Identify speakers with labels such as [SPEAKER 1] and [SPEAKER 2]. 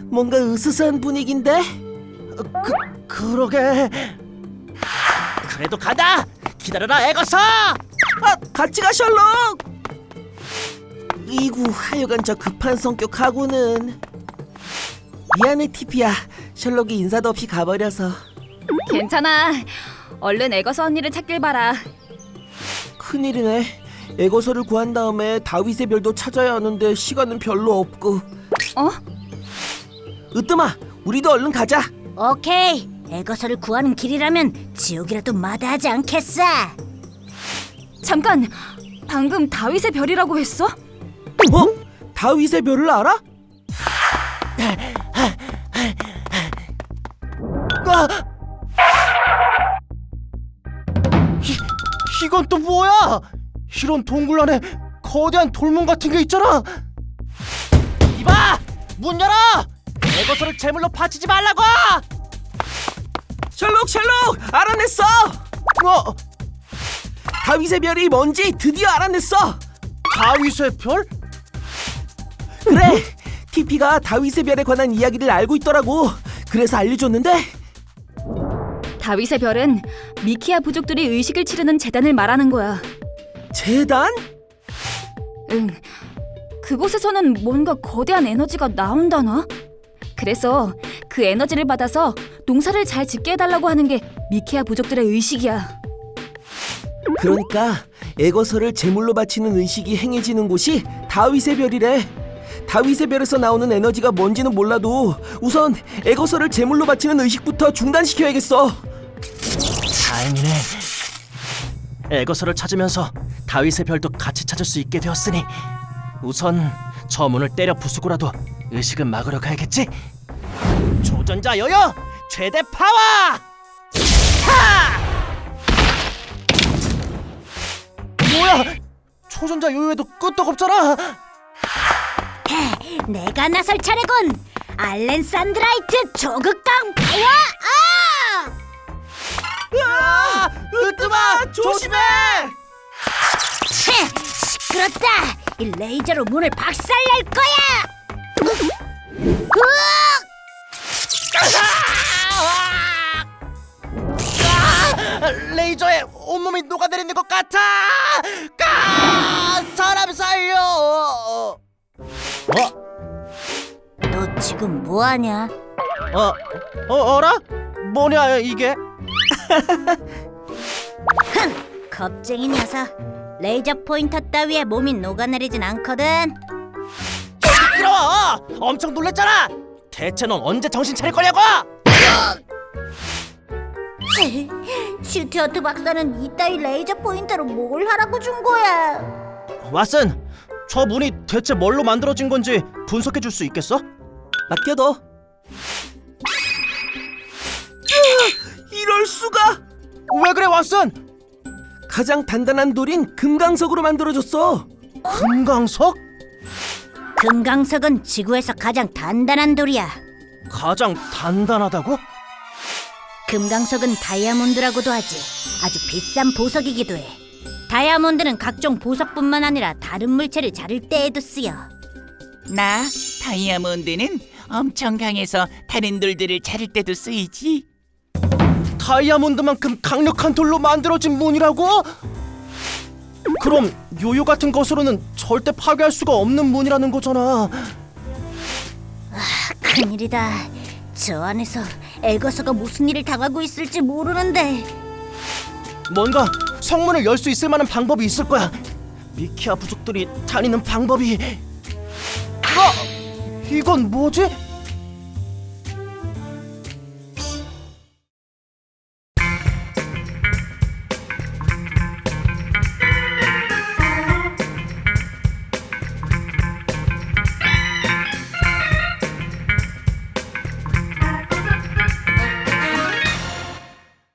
[SPEAKER 1] 뭔가 으스스한 분위기인데? 그러게.
[SPEAKER 2] 그래도 간다. 기다려라 에거서.
[SPEAKER 1] 같이 가 셜록. 이구 하여간 저 급한 성격하고는. 미안해 티피야. 셜록이 인사도 없이 가버려서.
[SPEAKER 3] 괜찮아. 얼른 에거서 언니를 찾길 바라.
[SPEAKER 1] 큰일이네. 에거서를 구한 다음에 다윗의 별도 찾아야 하는데 시간은 별로 없고.
[SPEAKER 3] 어?
[SPEAKER 1] 으뜸아, 우리도 얼른 가자.
[SPEAKER 4] 오케이. 에거서를 구하는 길이라면 지옥이라도 마다하지 않겠어.
[SPEAKER 3] 잠깐. 방금 다윗의 별이라고 했어?
[SPEAKER 1] 다윗의 별을 알아?
[SPEAKER 2] 이건 또 뭐야? 이런 동굴 안에 거대한 돌문 같은 게 있잖아. 이봐! 문 열어! 에거서를 제물로 바치지 말라고!
[SPEAKER 1] 셜록 알아냈어. 다윗의 별이 뭔지 드디어 알아냈어.
[SPEAKER 2] 다윗의 별?
[SPEAKER 1] 그래, 티피가 다윗의 별에 관한 이야기를 알고 있더라고. 그래서 알려줬는데.
[SPEAKER 3] 다윗의 별은 미키아 부족들이 의식을 치르는 재단을 말하는 거야.
[SPEAKER 1] 재단?
[SPEAKER 3] 응. 그곳에서는 뭔가 거대한 에너지가 나온다나? 그래서 그 에너지를 받아서 농사를 잘 짓게 해달라고 하는 게 미키아 부족들의 의식이야.
[SPEAKER 1] 그러니까 에거서를 제물로 바치는 의식이 행해지는 곳이 다윗의 별이래. 다윗의 별에서 나오는 에너지가 뭔지는 몰라도 우선 에거서를 제물로 바치는 의식부터 중단시켜야겠어.
[SPEAKER 2] 다행이네. 에거서를 찾으면서 다윗의 별도 같이 찾을 수 있게 되었으니 우선 저 문을 때려 부수고라도 의식은 막으러 가야겠지? 조전자 요요 최대 파워! 차! 뭐야? 초전자 요요에도 끄떡없잖아.
[SPEAKER 4] 내가 나설 차례군. 알렌 산드라이트 조극강 파워!
[SPEAKER 1] 으뜸아, 조심해!
[SPEAKER 4] 시끄럽다. 이 레이저로 문을 박살낼 거야.
[SPEAKER 2] 레이저에 온몸이 녹아내리는 것 같아. 사람 살려.
[SPEAKER 4] 너 지금 뭐하냐?
[SPEAKER 2] 어라? 뭐냐 이게?
[SPEAKER 4] 겁쟁이 녀석. 레이저 포인터 따위에 몸이 녹아내리진 않거든.
[SPEAKER 2] 시끄러워! 엄청 놀랬잖아. 대체 넌 언제 정신 차릴 거냐고?
[SPEAKER 4] 슈티어트 박사는 이따위 레이저 포인터로 뭘 하라고 준 거야?
[SPEAKER 2] 왓슨, 저 문이 대체 뭘로 만들어진 건지 분석해 줄 수 있겠어?
[SPEAKER 1] 맡겨둬. 이럴 수가!
[SPEAKER 2] 왜 그래 왓슨?
[SPEAKER 1] 가장 단단한 돌인 금강석으로 만들어졌어.
[SPEAKER 2] 금강석?
[SPEAKER 4] 금강석은 지구에서 가장 단단한 돌이야.
[SPEAKER 2] 가장 단단하다고?
[SPEAKER 4] 금강석은 다이아몬드라고도 하지. 아주 비싼 보석이기도 해. 다이아몬드는 각종 보석뿐만 아니라 다른 물체를 자를 때에도 쓰여.
[SPEAKER 5] 나 다이아몬드는 엄청 강해서 다른 돌들을 자를 때도 쓰이지.
[SPEAKER 2] 다이아몬드만큼 강력한 돌로 만들어진 문이라고? 그럼 요요 같은 것으로는 절대 파괴할 수가 없는 문이라는 거잖아.
[SPEAKER 4] 큰일이다. 저 안에서 에거서가 무슨 일을 당하고 있을지 모르는데.
[SPEAKER 2] 뭔가 성문을 열 수 있을 만한 방법이 있을 거야. 미키아 부족들이 다니는 방법이. 이건 뭐지?